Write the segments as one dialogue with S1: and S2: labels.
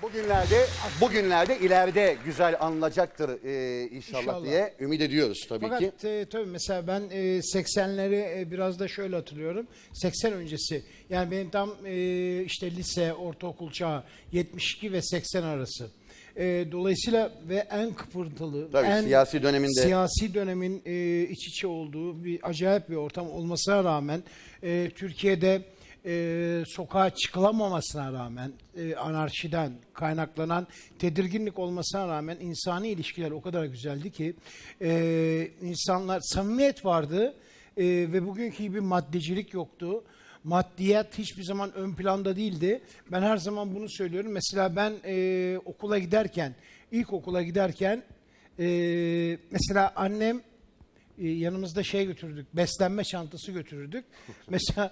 S1: Bugünlerde ileride güzel anılacaktır inşallah
S2: İnşallah.
S1: diye ümit ediyoruz tabii ki.
S2: Fakat tabii mesela ben 80'leri biraz da şöyle hatırlıyorum. 80 öncesi yani benim tam işte lise, ortaokul çağı 72 ve 80 arası. Dolayısıyla ve en kıpırtılı,
S1: Tabii,
S2: en
S1: siyasi döneminde.
S2: siyasi dönemin iç içe olduğu bir acayip bir ortam olmasına rağmen Türkiye'de sokağa çıkılamamasına rağmen anarşiden kaynaklanan tedirginlik olmasına rağmen insani ilişkiler o kadar güzeldi ki insanlar samimiyet vardı ve bugünkü gibi maddecilik yoktu. Maddiyat hiçbir zaman ön planda değildi. Ben her zaman bunu söylüyorum. Mesela ben okula giderken, ilkokula giderken mesela annem yanımızda şey götürdük, beslenme çantası götürürdük. Mesela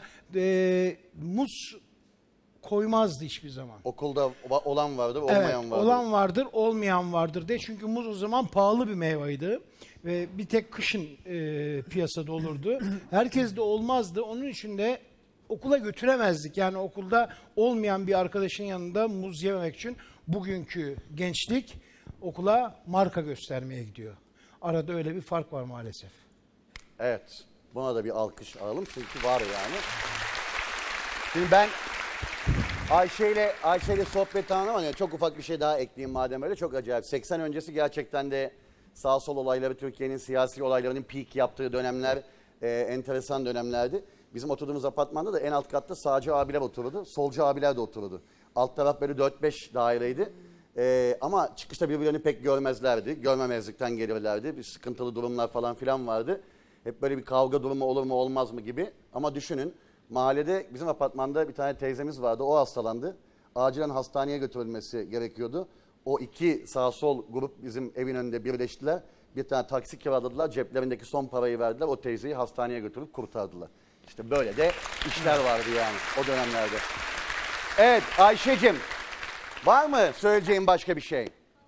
S2: muz koymazdı hiçbir zaman.
S1: Okulda olan vardır, olmayan
S2: Evet,
S1: vardır.
S2: olan vardır, olmayan vardır diye. Çünkü muz o zaman pahalı bir meyveydi. Ve bir tek kışın piyasada olurdu. Herkes de olmazdı. Onun için de okula götüremezdik. Yani okulda olmayan bir arkadaşın yanında muz yememek için bugünkü gençlik okula marka göstermeye gidiyor. Arada öyle bir fark var maalesef.
S1: Evet. Buna da bir alkış alalım çünkü var yani. Şimdi ben Ayşe ile sohbet ama yani çok ufak bir şey daha ekleyeyim madem öyle. Çok acayip. 80 öncesi gerçekten de sağ sol olayları, Türkiye'nin siyasi olaylarının peak yaptığı dönemler, enteresan dönemlerdi. Bizim oturduğumuz apartmanda da en alt katta sağcı abiler otururdu, solcu abiler de otururdu. Alt taraf böyle 4-5 daireydi. Ama çıkışta birbirlerini pek görmezlerdi. Görmemezlikten gelirlerdi. Bir sıkıntılı durumlar falan filan vardı. Hep böyle bir kavga durumu olur mu olmaz mı gibi. Ama düşünün, mahallede bizim apartmanda bir tane teyzemiz vardı. O hastalandı. Acilen hastaneye götürülmesi gerekiyordu. O iki sağ sol grup bizim evin önünde birleştiler. Bir tane taksi kiraladılar. Ceplerindeki son parayı verdiler. O teyzeyi hastaneye götürüp kurtardılar. İşte böyle de işler vardı yani o dönemlerde. Evet Ayşe'cim, var mı söyleyeceğin başka bir şey?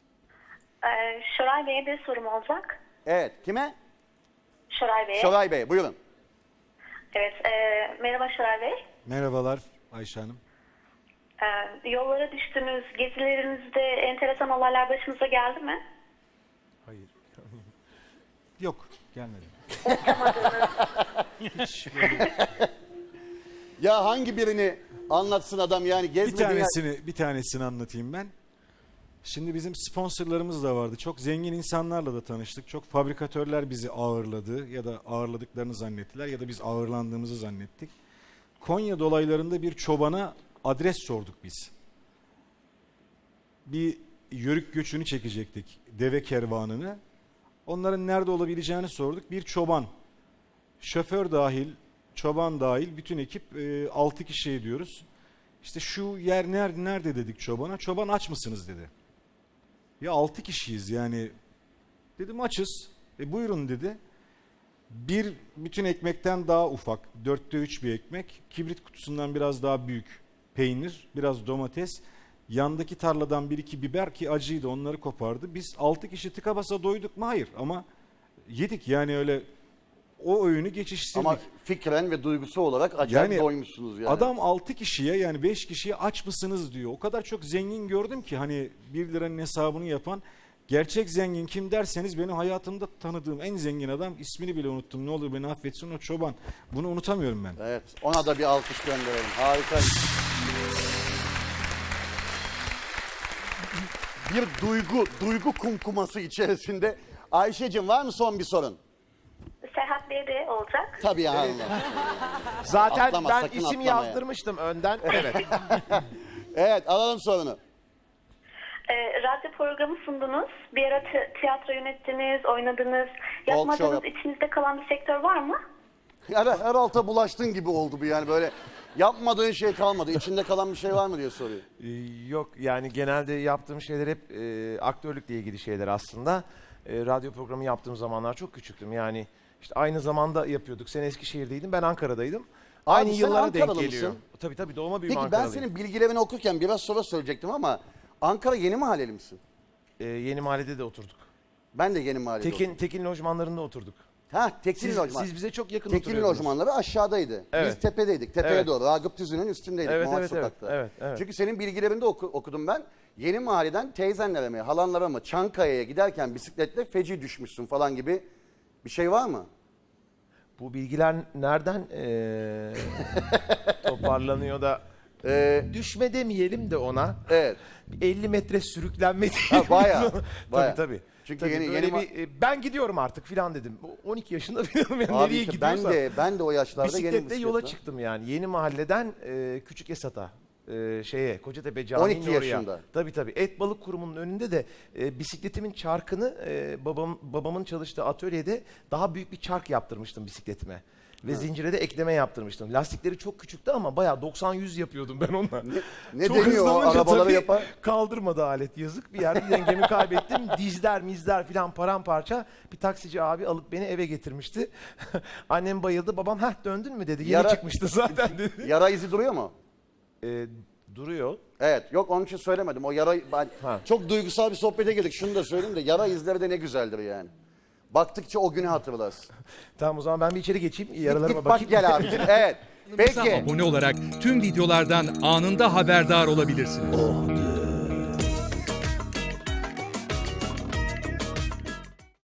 S3: Şoray Bey'e bir sorum olacak.
S1: Evet, kime?
S3: Şoray Bey'e.
S1: Şoray Bey, buyurun.
S3: Evet, merhaba Şoray Bey.
S4: Merhabalar Ayşe Hanım.
S3: Yollara düştünüz, gezilerinizde enteresan olaylar başınıza geldi mi?
S4: Hayır. Yok, gelmedi. Hiç
S1: Ya hangi birini anlatsın adam yani gezmediğin...
S4: bir tanesini anlatayım ben. Şimdi bizim sponsorlarımız da vardı. Çok zengin insanlarla da tanıştık. Çok fabrikatörler bizi ağırladı ya da ağırladıklarını zannettiler ya da biz ağırlandığımızı zannettik. Konya dolaylarında bir çobana adres sorduk biz. Bir yörük göçünü çekecektik, deve kervanını. Onların nerede olabileceğini sorduk. Bir çoban, şoför dahil, çoban dahil bütün ekip 6 kişi diyoruz. İşte şu yer nerede dedik çobana. Çoban aç mısınız dedi. Ya 6 kişiyiz yani. Dedim açız. Buyurun dedi. Bir bütün ekmekten daha ufak, 4'te 3 bir ekmek. Kibrit kutusundan biraz daha büyük peynir, biraz domates. Yandaki tarladan 1-2 biber ki acıydı, onları kopardı. Biz 6 kişi tıka basa doyduk mu? Hayır ama yedik yani öyle o öğünü geçiştirdik.
S1: Ama fikren ve duygusu olarak acayip doymuşsunuz yani.
S4: Adam 6 kişiye yani 5 kişiye aç mısınız diyor. O kadar çok zengin gördüm ki hani 1 liranın hesabını yapan. Gerçek zengin kim derseniz benim hayatımda tanıdığım en zengin adam, ismini bile unuttum. Ne olur beni affetsin, o çoban. Bunu unutamıyorum ben.
S1: Evet, ona da bir alkış gönderelim. Harika. Bir duygu kumkuması içerisinde. Ayşe'cim var mı son bir sorun?
S3: Serhat Bey'e de olacak.
S1: Tabii ya Allah.
S5: Zaten
S1: Atlama,
S5: ben
S1: sakın
S5: isim
S1: atlama ya.
S5: yazdırmıştım önden. Evet.
S1: Evet, alalım sorunu.
S3: Radyo programı sundunuz. Bir ara tiyatro yönettiniz, oynadınız.
S1: Talk
S3: Yapmadığınız,
S1: show
S3: içinizde kalan bir sektör var mı?
S1: Her alta bulaştın gibi oldu bu yani böyle. Yapmadığın şey kalmadı. İçinde kalan bir şey var mı diye soruyor.
S5: Yok yani genelde yaptığım şeyler hep aktörlükle ilgili şeyler aslında. Radyo programı yaptığım zamanlar çok küçüktüm. Yani işte aynı zamanda yapıyorduk. Sen Eskişehir'deydin, ben Ankara'daydım. Aynı
S1: sen
S5: yıllara denk
S1: Ankaralı
S5: geliyor.
S1: mısın?
S5: Tabii doğma büyüme
S1: Peki ben
S5: Ankaralıyım.
S1: senin bilgilerini okurken biraz sonra söyleyecektim ama Ankara Yeni Mahalleli misin?
S5: Yeni Mahalle'de de oturduk.
S1: Ben de Yeni Mahalleli oldum.
S5: Tekin lojmanlarında oturduk.
S1: Tekin lojman.
S5: Siz bize çok yakın
S1: Tekin
S5: oturuyordunuz.
S1: lojmanları aşağıdaydı.
S5: Evet.
S1: Biz tepedeydik. Tepeye
S5: Evet.
S1: doğru. Ragıp Tüzün'ün üstündeydik.
S5: Evet,
S1: Muhaç
S5: evet,
S1: Sokak'ta.
S5: evet.
S1: Çünkü senin bilgilerinde okudum ben. Yeni mahalleden teyzenlere mi, halanlara mı Çankaya'ya giderken bisikletle feci düşmüşsün falan gibi bir şey var mı?
S5: Bu bilgiler nereden toparlanıyor da düşme demeyelim de ona.
S1: Evet.
S5: 50 metre sürüklenme diyelim.
S1: Bayağı.
S5: Tabii.
S1: Çünkü
S5: Tabii
S1: yeni
S5: böyle
S1: yeni
S5: ben gidiyorum artık filan dedim. 12 yaşında filanım yani
S1: Abi
S5: nereye
S1: işte
S5: gidiyorsam.
S1: ben de o yaşlarda yeni
S5: Bisikletle yola
S1: bisikletle.
S5: çıktım yani. Yeni mahalleden Küçük Esat'a. Kocatepe Camii'nin
S1: 12
S5: oraya.
S1: yaşında.
S5: Tabii. Et Balık Kurumu'nun önünde de bisikletimin çarkını babamın çalıştığı atölyede daha büyük bir çark yaptırmıştım bisikletime. Ve zincire de ekleme yaptırmıştım. Lastikleri çok küçüktü ama bayağı 90-100 yapıyordum ben onunla.
S1: Ne
S5: Çok
S1: deniyor o
S5: hızlanınca
S1: arabaları
S5: tabii
S1: yapan?
S5: Kaldırmadı alet, yazık. Bir yerde dengemi kaybettim. Mizler filan paramparça. Bir taksici abi alıp beni eve getirmişti. Annem bayıldı. Babam döndün mü dedi. Yeni
S1: Yara-
S5: çıkmıştı zaten dedi.
S1: Yara izi duruyor mu?
S5: Duruyor.
S1: Evet. Yok onun için söylemedim. O yara çok duygusal bir sohbete girdik. Şunu da söyleyeyim de yara izleri de ne güzeldir yani. Baktıkça o günü hatırlarsın.
S5: Tamam o zaman ben bir içeri geçeyim. Yaralarıma
S1: Git bak
S5: bakayım.
S1: gel abicim. Evet.
S6: Kanalımıza
S1: Peki.
S6: abone olarak tüm videolardan anında haberdar olabilirsiniz.